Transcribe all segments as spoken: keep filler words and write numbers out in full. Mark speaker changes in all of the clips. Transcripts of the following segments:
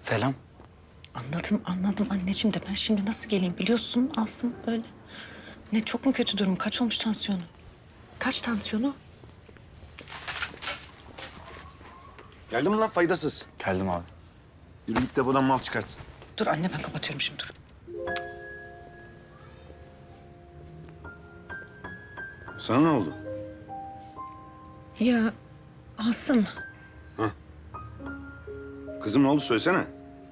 Speaker 1: Selam.
Speaker 2: Anladım, anladım anneciğim de ben şimdi nasıl geleyim biliyorsun Asım böyle. Ne çok mu kötü durum? Kaç olmuş tansiyonu? Kaç tansiyonu?
Speaker 3: Geldin mi lan faydasız?
Speaker 1: Geldim abi.
Speaker 3: Yürü git depodan mal çıkart.
Speaker 2: Dur anne ben kapatıyorum şimdi dur.
Speaker 3: Sana ne oldu?
Speaker 2: Ya Asım
Speaker 3: Kızım ne oldu söylesene.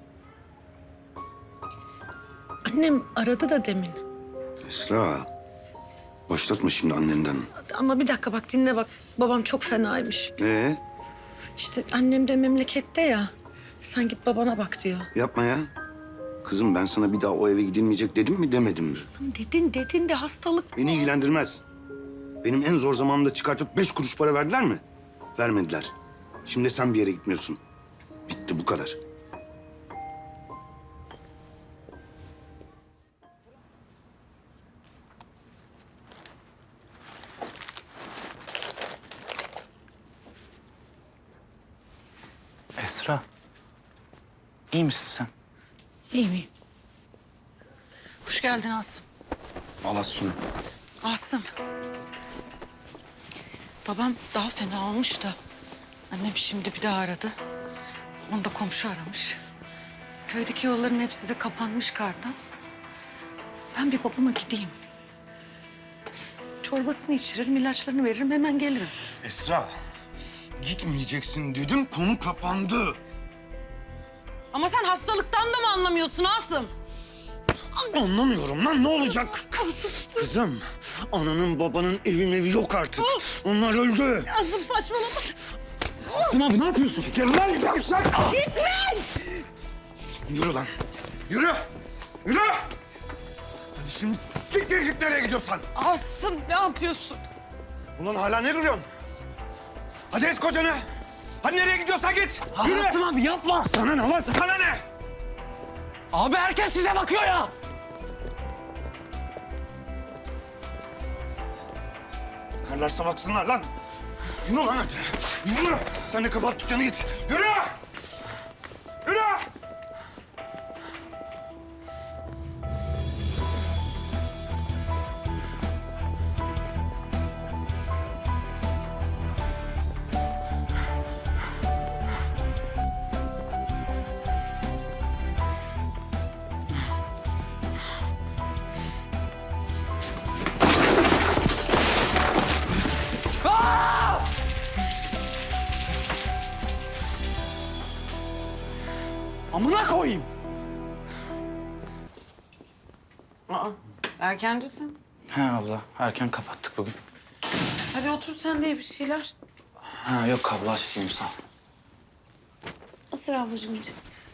Speaker 2: annem aradı da demin.
Speaker 3: Esra. Başlatma şimdi annenden.
Speaker 2: Ama bir dakika bak dinle bak. Babam çok fenaymış.
Speaker 3: Ee,
Speaker 2: İşte annem de memlekette ya. Sen git babana bak diyor.
Speaker 3: yapma ya. Kızım ben sana bir daha o eve gidilmeyecek dedim mi demedim mi?
Speaker 2: Dedin dedin de hastalık.
Speaker 3: Beni ilgilendirmez. Benim en zor zamanımda çıkartıp beş kuruş para verdiler mi? Vermediler. Şimdi sen bir yere gitmiyorsun. Bitti bu kadar.
Speaker 1: Esra. İyi misin sen?
Speaker 2: İyi miyim? Hoş geldin Asım.
Speaker 3: Allah şunu.
Speaker 2: Asım. Babam daha fena olmuş da annem şimdi bir daha aradı. Onu da komşu aramış. Köydeki yolların hepsi de kapanmış kardan. Ben bir babama gideyim. Çorbasını içiririm, ilaçlarını veririm, hemen gelirim.
Speaker 3: Esra. Gitmeyeceksin dedim, konu kapandı.
Speaker 2: Ama sen hastalıktan da mı anlamıyorsun Asım?
Speaker 3: Anlamıyorum lan, ne olacak? Kızım, ananın babanın evi mevi yok artık. Onlar öldü.
Speaker 2: Asım saçmalama.
Speaker 3: Asım abi ne yapıyorsun? Gel lan yavşak! Gitme! Yürü lan. Yürü! Yürü! Hadi şimdi siktir git nereye gidiyorsan.
Speaker 2: Asım ne yapıyorsun?
Speaker 3: Ulan hala ne duruyorsun? Hadi ez kocanı. Hadi nereye gidiyorsan git. Yürü!
Speaker 1: Asım abi yapma.
Speaker 3: Sana ne lan? Sana ne?
Speaker 1: Abi herkes size bakıyor ya.
Speaker 3: Bakarlarsa baksınlar lan. Yürü lan hadi. Yürü! Sen de kapat dükkanı git. Yürü! Yürü!
Speaker 1: Amına koyayım.
Speaker 4: Aa, erkencisin.
Speaker 1: He abla erken kapattık bugün.
Speaker 4: Hadi otur sen de ye bir şeyler.
Speaker 1: Ha yok kablo açtım sağ ol.
Speaker 4: Isır ablacığım iç.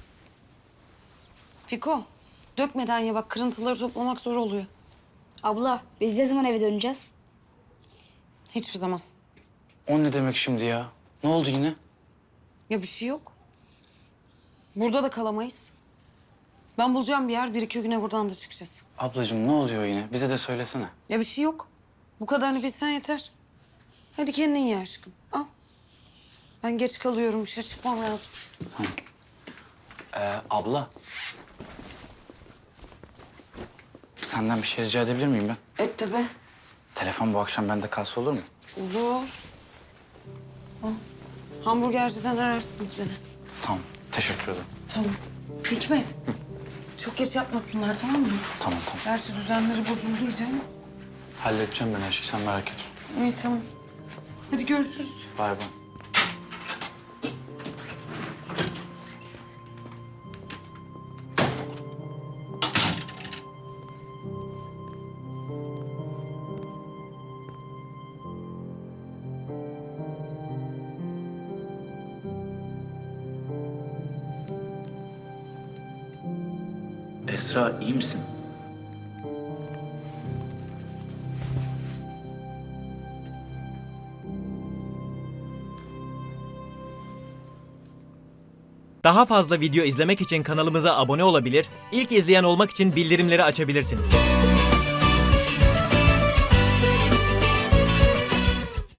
Speaker 4: Fiko, dökmeden ye bak kırıntıları toplamak zor oluyor.
Speaker 5: Abla, biz ne zaman eve döneceğiz?
Speaker 4: Hiçbir zaman.
Speaker 1: O ne demek şimdi ya? Ne oldu yine?
Speaker 4: Ya bir şey yok. Burada da kalamayız. Ben bulacağım bir yer, bir iki güne buradan da çıkacağız.
Speaker 1: Ablacığım ne oluyor yine? Bize de söylesene.
Speaker 4: Ya bir şey yok. Bu kadarını bilsen yeter. Hadi kendin ye aşkım, al. Ben geç kalıyorum, işe çıkmam lazım.
Speaker 1: Tamam. Ee, abla. Senden bir şey rica edebilir miyim ben?
Speaker 4: Et tabii.
Speaker 1: Telefon bu akşam bende kalsa olur mu?
Speaker 4: Olur. Al. Hamburgerciden ararsınız beni.
Speaker 1: Tamam. Teşekkür ederim.
Speaker 4: Tamam. Hikmet. Çok geç yapmasınlar tamam mı?
Speaker 1: Tamam tamam.
Speaker 4: Gerçi düzenleri bozuldu iyice ama.
Speaker 1: Halledeceğim ben her şeyi. Sen merak etme.
Speaker 4: İyi tamam. Hadi görüşürüz.
Speaker 1: Bay bay. Esra iyi misin?
Speaker 6: Daha fazla video izlemek için kanalımıza abone olabilir, ilk izleyen olmak için bildirimleri açabilirsiniz.